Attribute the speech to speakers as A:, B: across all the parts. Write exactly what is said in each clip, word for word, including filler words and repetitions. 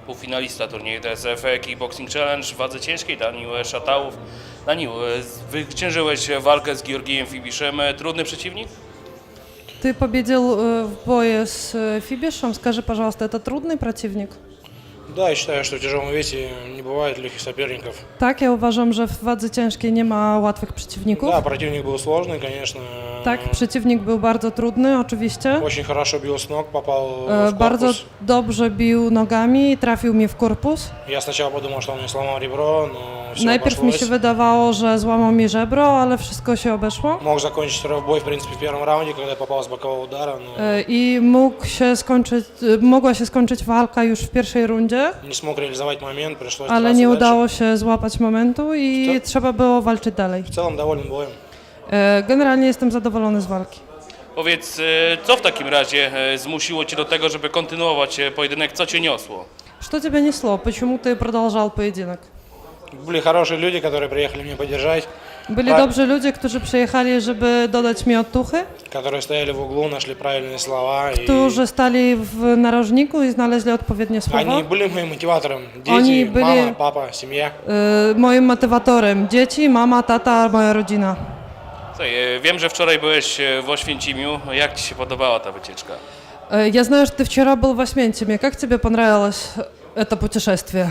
A: półfinalista turnieju D S F Kickboxing Challenge w wadze ciężkiej, Danił Szatałów. Danił, zwyciężyłeś walkę z Georgijem Fibiszem. Trudny przeciwnik?
B: Ты победил э, в бое с э, Фибишем. Скажи, пожалуйста, это трудный противник?
C: Да, я считаю, что в тяжелом весе не бывает легких соперников.
B: Tak, ja uważam, że w wadze ciężkiej nie ma łatwych przeciwników.
C: Да, противник был сложный, конечно.
B: Tak, przeciwnik był bardzo trudny, oczywiście.
C: Очень хорошо бил с ног, попал
B: E,
C: в
B: Bardzo
C: корпус.
B: dobrze bił nogami i trafił mi w korpus.
C: Я сначала подумал, что он мне сломал ребро, но все
B: Najpierw mi
C: обошлось.
B: się wydawało, że złamał mi żebro, ale wszystko się obeszło.
C: Мог закончить второй бой, в принципе, в первом раунде, когда я попал с бокового удара, но
B: E, I mógł się skończyć, e, mogła się skończyć walka już w pierwszej rundzie,
C: не смог реализовать момент, пришлось
B: ale
C: драться
B: nie
C: дальше.
B: udało się złapać momentu i
C: To-
B: trzeba było walczyć dalej.
C: В целом доволен боем.
B: E, Generalnie jestem zadowolony z walki.
A: Powiedz, co w takim razie zmusiło Cię do tego, żeby kontynuować pojedynek? Co Cię niosło?
B: Что тебя несло? Почему ты продолжал поединок?
C: Были хорошие люди, которые приехали меня поддержать,
B: Byli
C: Tak.
B: dobrzy ludzie, którzy przyjechali, żeby dodać mi otuchy,
C: которые стояли в углу, нашли правильные слова. И
B: którzy stali w narożniku i znaleźli odpowiednie słowa.
C: они были моим мотиватором. Дети,
B: Oni byli-
C: мама, папа, семья.
B: Y, Moim motywatorem dzieci, mama, tata, moja rodzina.
A: Słuchaj, wiem, że wczoraj byłeś w Oświęcimiu. Jak Ci się podobała ta wycieczka?
B: Y, Я знаю, что ты вчера был в Освенциме. Как тебе понравилось это путешествие?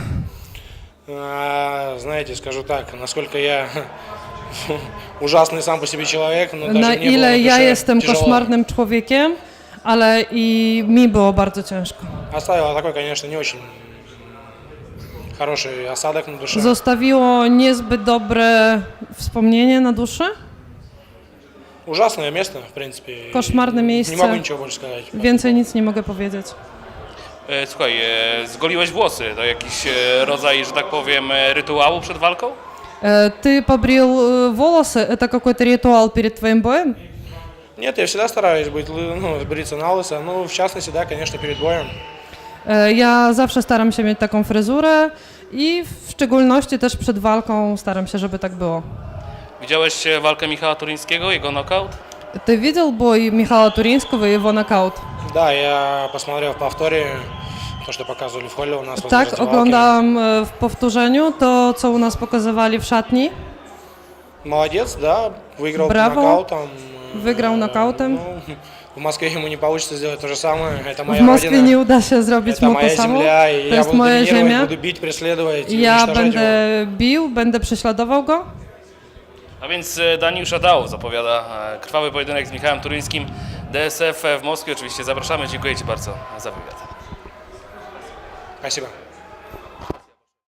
C: А, знаете, скажу так, насколько я ужасный сам по себе человек, но даже
B: Na
C: мне было
B: ile
C: на
B: ja
C: душе
B: jestem
C: тяжело.
B: koszmarnym człowiekiem, ale i mi było bardzo ciężko.
C: Оставило такой, конечно, не очень хороший осадок на душе.
B: Zostawiło niezbyt dobre wspomnienie na duszy.
C: Ужасное место, в принципе. и
B: Koszmarne
C: Не
B: miejsce.
C: могу ничего больше сказать.
B: Więcej nic nie mogę powiedzieć.
A: E, Słuchaj, e, zgoliłeś włosy. To jakiś e, rodzaj, że tak powiem, e, rytuału przed walką?
B: Э, Ты побрил э, волосы? Это какой-то ритуал перед твоим боем?
C: Нет, я всегда стараюсь быть, лы- ну, бриться на лысо. Ну, в частности, да, конечно, перед боем.
B: E, Ja zawsze staram się mieć taką fryzurę i w szczególności też przed walką staram się, żeby tak było.
A: Widziałeś e, walkę Michała Turyńskiego, jego knockout?
B: Ты видел бой Михаила Туринского и его нокаут?
C: Да, я посмотрел в повторе то, что показывали в холле у нас возле
B: Tak,
C: раздевалки.
B: oglądałam e, w powtórzeniu to, co u nas pokazywali w szatni.
C: Молодец, да, выиграл
B: Браво.
C: нокаутом.
B: Wygrał
C: Э,
B: nokautem.
C: ну, в Москве ему не получится сделать то же самое. Это
B: W
C: моя
B: Moskwie
C: родина.
B: nie uda się zrobić
C: Это
B: mu to
C: моя
B: samo.
C: земля, и
B: To
C: я
B: jest
C: буду
B: moja
C: доминировать,
B: ziemia.
C: буду бить, преследовать и
B: Ja
C: уничтожать его.
B: będę bił, będę prześladował go.
A: A więc e, Danił Szatałów zapowiada e, krwawy pojedynek z Michałem Turyńskim. D S F w Moskwie oczywiście zapraszamy. Dziękuję Ci bardzo za wywiad.
C: Спасибо.